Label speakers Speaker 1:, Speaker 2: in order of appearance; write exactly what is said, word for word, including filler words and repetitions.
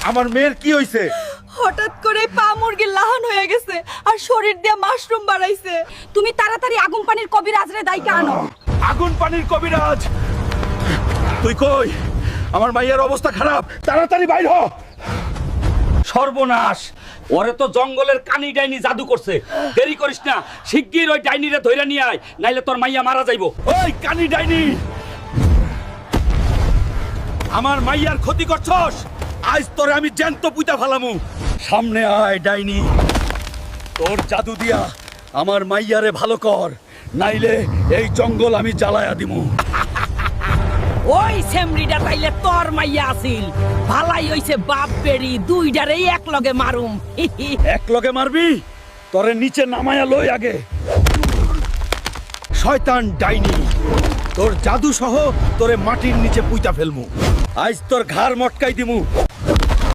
Speaker 1: আমার মেয়ের কি হইছে?
Speaker 2: হঠাৎ করে পা মুরগির লাহান হয়ে গেছে আর শরীর দিয়ে মাশরুম বাড়াইছে। তুমি তাড়াতাড়ি আগুন পানির কবিরাজরে দাইকা আনো।
Speaker 1: আগুন পানির কবিরাজ? তুই কই? আমার মাইয়ার অবস্থা খারাপ, তাড়াতাড়ি বাইর হ।
Speaker 3: সর্বনাশ, ওরে তো জঙ্গলের কানি ডাইনি জাদু করছে। দেরি করিস না, শিগগির ওই ডাইনিরে ধইরা নিয়ে আয়, নাইলে তোর মাইয়া মারা যাইবো।
Speaker 1: ওই কানি ডাইনি, আমার মাইয়ার ক্ষতি করছস, আজ তোরে আমি জ্যান্ত পুইতা ফালামু। সামনে আয় ডাইনি, তোর জাদু দিয়া আমার মাইয়ারে ভালো কর, নাইলে এই জঙ্গল আমি জ্বালায়া দিমু।
Speaker 4: ওই সেমরিটা তাইলে তোর মাইয়া আছিল। ভালাই হইছে বাপ বেড়ি দুইটারেই এক লগে মারুম।
Speaker 1: এক লগে মারবি? তোরে নিচে নামায়া লই আগে। শয়তান ডাইনি, তোর জাদু সহ তোরে মাটির নিচে পুইতা ফেলমু। আজ তোর ঘাড় মটকাই দিমু।